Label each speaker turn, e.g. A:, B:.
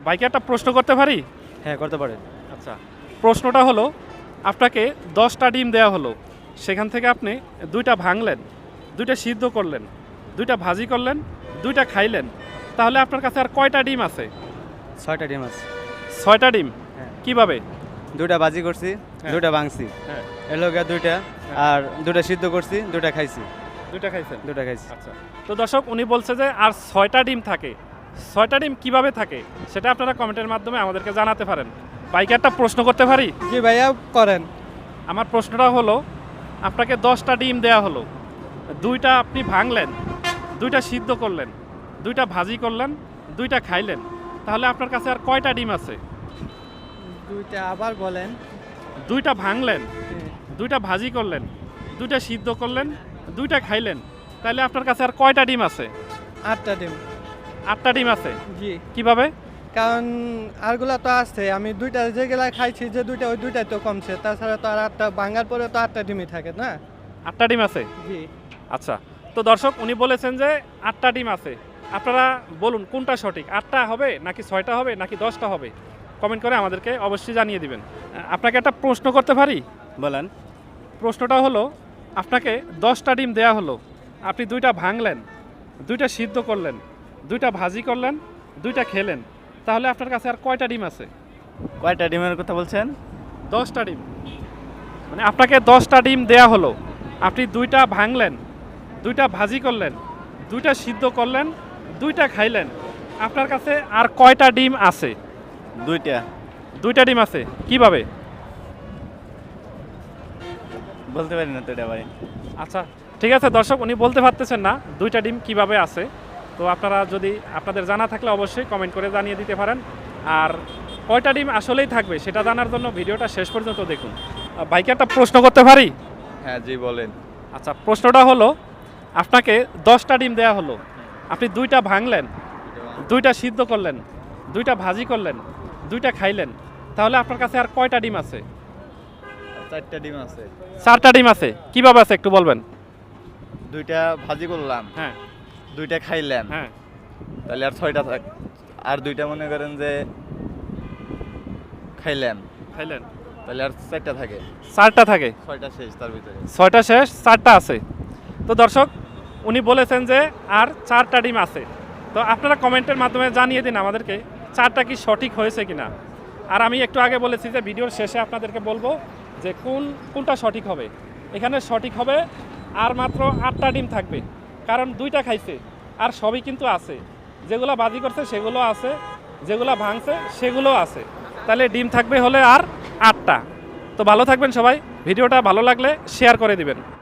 A: ভাইকে একটা প্রশ্ন করতে পারি?
B: হ্যাঁ, করতে পারেন।
A: আচ্ছা, প্রশ্নটা হলো, আপনাকে 10টা ডিম দেওয়া হলো, সেখান থেকে আপনি 2টা ভাঙলেন, 2টা সিদ্ধ করলেন, 2টা ভাজি করলেন, 2টা খাইলেন, তাহলে আপনার কাছে আর কয়টা ডিম আছে?
B: 6টা ডিম আছে।
A: 6টা ডিম।
B: হ্যাঁ।
A: কিভাবে?
B: 2টা ভাজি করছি,
A: হ্যাঁ।
B: 2টা ভাঙছি,
A: হ্যাঁ,
B: এলোগা 2টা, আর 2টা সিদ্ধ করছি, 2টা খাইছি।
A: 2টা খাইছেন।
B: 2টা খাইছি।
A: আচ্ছা, তো দর্শক উনি বলছে যে আর 6টা ডিম থাকে। 6টা ডিম কিভাবে থাকে সেটা আপনারা কমেন্টের মাধ্যমে আমাদেরকে জানাতে পারেন। ভাইকে একটা প্রশ্ন করতে পারি?
C: জি ভাইয়া করেন।
A: আমার প্রশ্নটা হলো, আপনাকে 10টা ডিম দেওয়া হলো, 2টা আপনি ভাঙলেন, 2টা সিদ্ধ করলেন, 2টা ভাজি করলেন, 2টা খাইলেন, তাহলে আপনার কাছে আর কয়টা ডিম আছে?
C: 2টা আবার বলেন।
A: 2টা ভাঙলেন, 2টা ভাজি করলেন, 2টা সিদ্ধ করলেন, 2টা খাইলেন, তাহলে আপনার কাছে আর কয়টা ডিম আছে?
C: 8টা ডিম।
A: 8টা ডিম আছে।
C: জি,
A: কিভাবে?
C: কারণ আরগুলা তো আছে, আমি 2টা যেগুলা খাইছি যে 2টা ওই 2টাই তো কমছে, তাছাড়া তো আর 8টা ভাঙার পরে তো 8টা ডিমই থাকে না।
A: 8টা ডিম আছে।
C: জি,
A: আচ্ছা, তো দর্শক উনি বলেছেন যে 8টা ডিম আছে। আপনারা বলুন কোনটা সঠিক, 8টা হবে নাকি 6টা হবে নাকি 10টা হবে? কমেন্ট করে আমাদেরকে অবশ্যই জানিয়ে দিবেন। আপনাকে একটা প্রশ্ন করতে পারি?
B: বলেন।
A: প্রশ্নটা হলো, আপনাকে 10টা ডিম দেয়া হলো, আপনি 2টা ভাঙলেন, 2টা সিদ্ধ করলেন, 2টা ভাজি করলেন, 2টা খেলেন, তাহলে আপনার কাছে আর কয়টা ডিম আছে?
B: কয়টা ডিমের কথা বলছেন?
A: 10টা ডিম। মানে আপনাকে 10টা ডিম দেয়া হলো, আপনি 2টা ভাঙলেন, 2টা ভাজি করলেন, 2টা সিদ্ধ করলেন, 2টা খাইলেন, আপনার কাছে আর কয়টা ডিম আছে?
B: 2টা।
A: 2টা ডিম আছে। কিভাবে?
B: বলতে পারি না তো এটা ভাই।
A: আচ্ছা, ঠিক আছে দর্শক, উনি বলতে পারতেছেন না 2টা ডিম কিভাবে আছে। তো আপনারা যদি আপনাদের জানা থাকলে অবশ্যই কমেন্ট করে জানিয়ে দিতে পারেন। আর কয়টা ডিম আসলেই থাকবে সেটা জানার জন্য ভিডিওটা শেষ পর্যন্ত দেখুন। ভাইকে একটা প্রশ্ন করতে পারি?
B: হ্যাঁ, জি বলেন।
A: আচ্ছা, প্রশ্নটা হলো, আপনাকে 10টা ডিম দেয়া হলো, আপনি 2টা ভাঙলেন, 2টা সিদ্ধ করলেন, 2টা ভাজি করলেন, 2টা খাইলেন, তাহলে আপনার কাছে আর কয়টা ডিম আছে?
B: 4টা ডিম আছে।
A: 4টা ডিম আছে। কিভাবে আছে একটু বলবেন?
B: 2টা ভাজি করলাম,
A: হ্যাঁ
B: 2টা খাইলাম,
A: হ্যাঁ।
B: তাহলে আর 6টা থাক। আর 2টা মনে করেন যে খাইলাম,
A: খাইলেন,
B: তাহলে আর 4টা থাকে।
A: 4টা থাকে।
B: 6টা শেষ তার ভিতরে।
A: 6টা শেষ, 4টা আছে। তো দর্শক উনি বলেছেন যে আর 4টা ডিম আছে। তো আপনারা কমেন্টের মাধ্যমে জানিয়ে দিন আমাদেরকে 4টা কি সঠিক হয়েছে কিনা। আর আমি একটু আগে বলেছি যে ভিডিওর শেষে আপনাদেরকে বলবো যে কোনটা সঠিক হবে। এখানে সঠিক হবে আর মাত্র 8টা ডিম থাকবে, কারণ 2টা খাইছে আর সবই কিন্তু আছে। যেগুলো বাজি করছে সেগুলো আছে, যেগুলো ভাঙছে সেগুলো আছে, তাহলে ডিম থাকবে হলে আর 8টা। তো ভালো থাকবেন সবাই, ভিডিওটা ভালো লাগলে শেয়ার করে দিবেন।